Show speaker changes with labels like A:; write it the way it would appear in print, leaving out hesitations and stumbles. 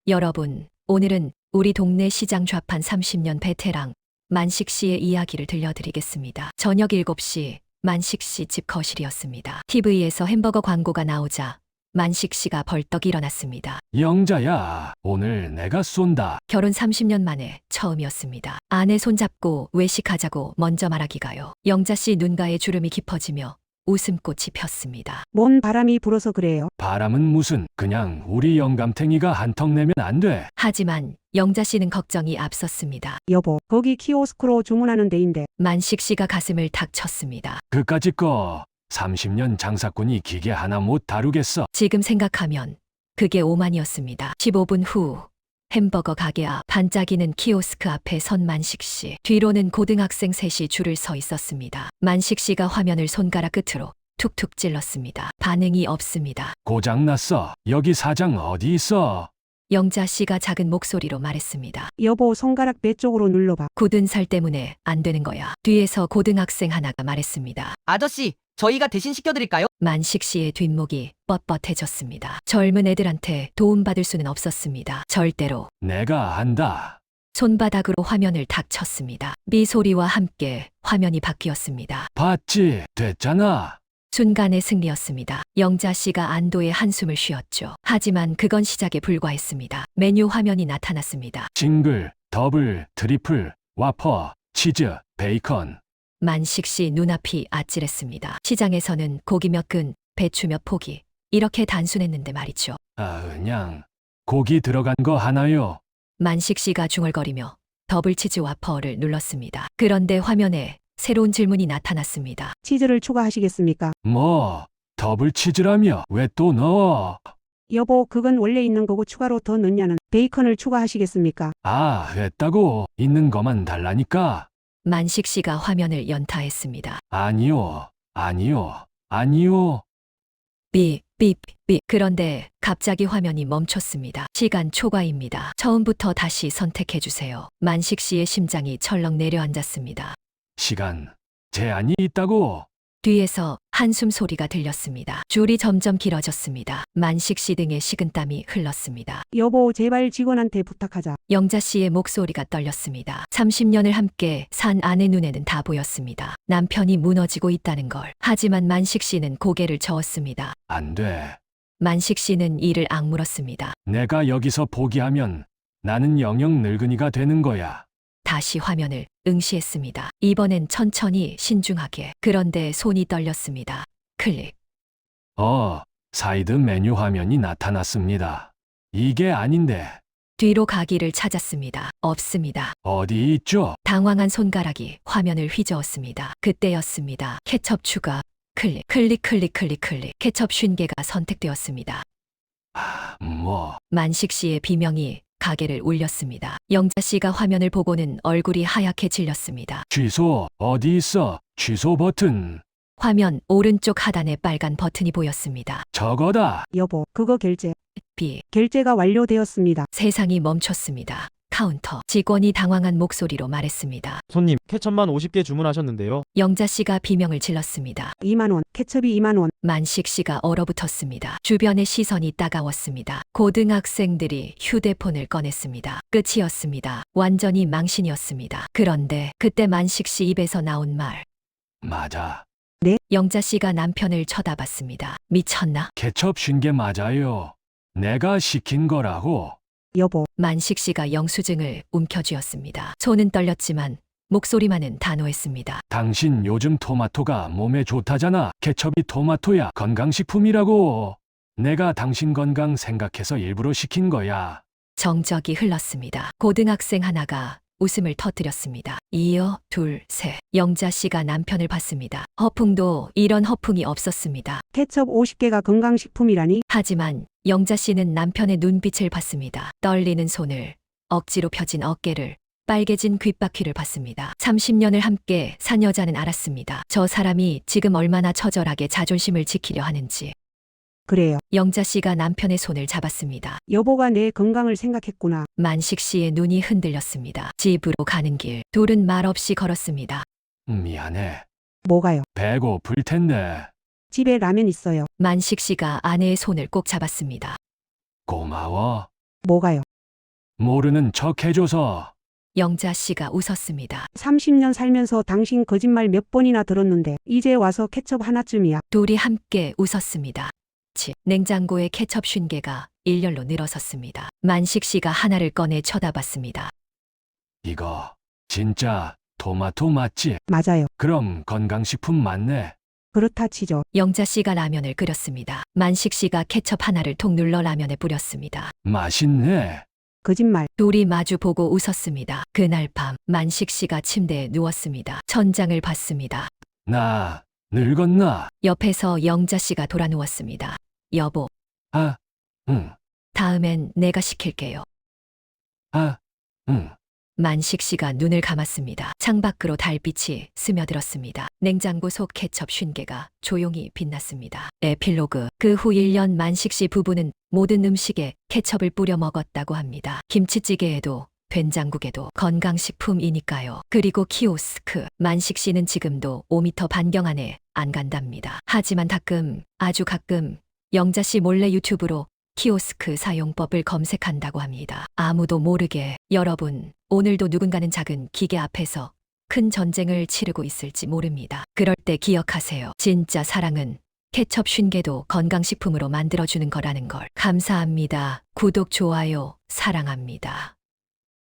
A: 여러분, 오늘은 우리 동네 시장 좌판 30년 베테랑 만식 씨의 이야기를 들려드리겠습니다. 저녁 7시 만식 씨 집 거실이었습니다. TV에서 햄버거 광고가 나오자 만식 씨가 벌떡 일어났습니다.
B: 영자야, 오늘 내가 쏜다.
A: 결혼 30년 만에 처음이었습니다. 아내 손잡고 외식하자고 먼저 말하기가요. 영자 씨 눈가에 주름이 깊어지며 웃음꽃이 폈습니다.
C: 뭔 바람이 불어서 그래요?
B: 바람은 무슨, 그냥 우리 영감탱이가 한턱 내면 안 돼.
A: 하지만 영자 씨는 걱정이 앞섰습니다.
C: 여보, 거기 키오스크로 주문하는 데인데.
A: 만식 씨가 가슴을 탁 쳤습니다.
B: 그까짓 거 30년 장사꾼이 기계 하나 못 다루겠어.
A: 지금 생각하면 그게 오만이었습니다. 15분 후 햄버거 가게 앞 반짝이는 키오스크 앞에 선 만식 씨. 뒤로는 고등학생 셋이 줄을 서 있었습니다. 만식 씨가 화면을 손가락 끝으로 툭툭 찔렀습니다. 반응이 없습니다.
B: 고장났어. 여기 사장 어디 있어?
A: 영자 씨가 작은 목소리로 말했습니다.
C: 여보, 손가락 배 쪽으로 눌러봐.
A: 굳은 살 때문에 안 되는 거야. 뒤에서 고등학생 하나가 말했습니다.
D: 아저씨, 저희가 대신 시켜드릴까요?
A: 만식 씨의 뒷목이 뻣뻣해졌습니다. 젊은 애들한테 도움받을 수는 없었습니다. 절대로.
B: 내가 한다.
A: 손바닥으로 화면을 탁 쳤습니다. 미 소리와 함께 화면이 바뀌었습니다.
B: 봤지? 됐잖아.
A: 순간의 승리였습니다. 영자 씨가 안도의 한숨을 쉬었죠. 하지만 그건 시작에 불과했습니다. 메뉴 화면이 나타났습니다.
B: 싱글, 더블, 트리플, 와퍼, 치즈, 베이컨.
A: 만식 씨 눈앞이 아찔했습니다. 시장에서는 고기 몇 근, 배추 몇 포기. 이렇게 단순했는데 말이죠.
B: 그냥 고기 들어간 거 하나요.
A: 만식 씨가 중얼거리며 더블치즈 와퍼를 눌렀습니다. 그런데 화면에 새로운 질문이 나타났습니다.
C: 치즈를 추가하시겠습니까?
B: 뭐, 더블 치즈라며 왜 또 넣어?
C: 여보, 그건 원래 있는 거고 추가로 더 넣냐는. 베이컨을 추가하시겠습니까?
B: 했다고. 있는 거만 달라니까.
A: 만식 씨가 화면을 연타했습니다.
B: 아니요, 아니요, 아니요.
A: 삐. 그런데 갑자기 화면이 멈췄습니다. 시간 초과입니다. 처음부터 다시 선택해주세요. 만식 씨의 심장이 철렁 내려앉았습니다.
B: 시간 제한이 있다고.
A: 뒤에서 한숨 소리가 들렸습니다. 줄이 점점 길어졌습니다. 만식 씨 등에 식은땀이 흘렀습니다.
C: 여보, 제발 직원한테 부탁하자.
A: 영자 씨의 목소리가 떨렸습니다. 30년을 함께 산 아내 눈에는 다 보였습니다. 남편이 무너지고 있다는 걸. 하지만 만식 씨는 고개를 저었습니다.
B: 안 돼.
A: 만식 씨는 이를 악물었습니다.
B: 내가 여기서 포기하면 나는 영영 늙은이가 되는 거야.
A: 다시 화면을 응시했습니다. 이번엔 천천히 신중하게. 그런데 손이 떨렸습니다. 클릭.
B: 사이드 메뉴 화면이 나타났습니다. 이게 아닌데.
A: 뒤로 가기를 찾았습니다. 없습니다.
B: 어디 있죠?
A: 당황한 손가락이 화면을 휘저었습니다. 그때였습니다. 케첩 추가. 클릭. 케첩 50개가 선택되었습니다. 만식 씨의 비명이 가게를 울렸습니다. 영자 씨가 화면을 보고는 얼굴이 하얗게 질렸습니다.
B: 취소, 어디 있어? 취소 버튼.
A: 화면 오른쪽 하단에 빨간 버튼이 보였습니다.
B: 저거다.
C: 여보, 그거 결제.
A: 비.
C: 결제가 완료되었습니다.
A: 세상이 멈췄습니다. 카운터. 직원이 당황한 목소리로 말했습니다.
E: 손님, 케첩만 50개 주문하셨는데요.
A: 영자 씨가 비명을 질렀습니다.
C: 2만 원, 케첩이 2만 원.
A: 만식 씨가 얼어붙었습니다. 주변의 시선이 따가웠습니다. 고등학생들이 휴대폰을 꺼냈습니다. 끝이었습니다. 완전히 망신이었습니다. 그런데 그때 만식 씨 입에서 나온 말.
B: 맞아.
A: 영자 씨가 남편을 쳐다봤습니다. 미쳤나?
B: 케첩 50개 맞아요. 내가 시킨 거라고.
C: 여보,
A: 만식 씨가 영수증을 움켜쥐었습니다. 손은 떨렸지만 목소리만은 단호했습니다.
B: 당신 요즘 토마토가 몸에 좋다잖아. 케첩이 토마토야. 건강식품이라고. 내가 당신 건강 생각해서 일부러 시킨 거야.
A: 정적이 흘렀습니다. 고등학생 하나가 웃음을 터뜨렸습니다. 이어 둘, 셋. 영자 씨가 남편을 봤습니다. 허풍도 이런 허풍이 없었습니다.
C: 케첩 50개가 건강식품이라니?
A: 하지만 영자 씨는 남편의 눈빛을 봤습니다. 떨리는 손을, 억지로 펴진 어깨를, 빨개진 귓바퀴를 봤습니다. 30년을 함께 산 여자는 알았습니다. 저 사람이 지금 얼마나 처절하게 자존심을 지키려 하는지.
C: 그래요.
A: 영자 씨가 남편의 손을 잡았습니다.
C: 여보가 내 건강을 생각했구나.
A: 만식 씨의 눈이 흔들렸습니다. 집으로 가는 길, 둘은 말없이 걸었습니다.
B: 미안해.
C: 뭐가요?
B: 배고플 텐데.
C: 집에 라면 있어요.
A: 만식 씨가 아내의 손을 꼭 잡았습니다.
B: 고마워.
C: 뭐가요?
B: 모르는 척 해줘서.
A: 영자 씨가 웃었습니다.
C: 30년 살면서 당신 거짓말 몇 번이나 들었는데 이제 와서 케첩 하나쯤이야.
A: 둘이 함께 웃었습니다. 냉장고에 케첩 50개가 일렬로 늘어섰습니다. 만식 씨가 하나를 꺼내 쳐다봤습니다.
B: 이거 진짜 토마토 맞지?
C: 맞아요.
B: 그럼 건강식품 맞네.
C: 그렇다 치죠.
A: 영자 씨가 라면을 끓였습니다. 만식 씨가 케첩 하나를 통 눌러 라면에 뿌렸습니다.
B: 맛있네.
C: 거짓말.
A: 둘이 마주 보고 웃었습니다. 그날 밤 만식 씨가 침대에 누웠습니다. 천장을 봤습니다.
B: 나 늙었나?
A: 옆에서 영자 씨가 돌아 누웠습니다. 여보,
B: 아, 응,
A: 다음엔 내가 시킬게요.
B: 아, 응.
A: 만식 씨가 눈을 감았습니다. 창밖으로 달빛이 스며들었습니다. 냉장고 속 케첩 50개가 조용히 빛났습니다. 에필로그. 그 후 1년 만식 씨 부부는 모든 음식에 케첩을 뿌려 먹었다고 합니다. 김치찌개에도 된장국에도 건강식품이니까요. 그리고 키오스크. 만식 씨는 지금도 5m 반경 안에 안 간답니다. 하지만 가끔, 아주 가끔 영자 씨 몰래 유튜브로 키오스크 사용법을 검색한다고 합니다. 아무도 모르게. 여러분, 오늘도 누군가는 작은 기계 앞에서 큰 전쟁을 치르고 있을지 모릅니다. 그럴 때 기억하세요. 진짜 사랑은 케첩 50개도 건강식품으로 만들어주는 거라는 걸. 감사합니다. 구독, 좋아요, 사랑합니다.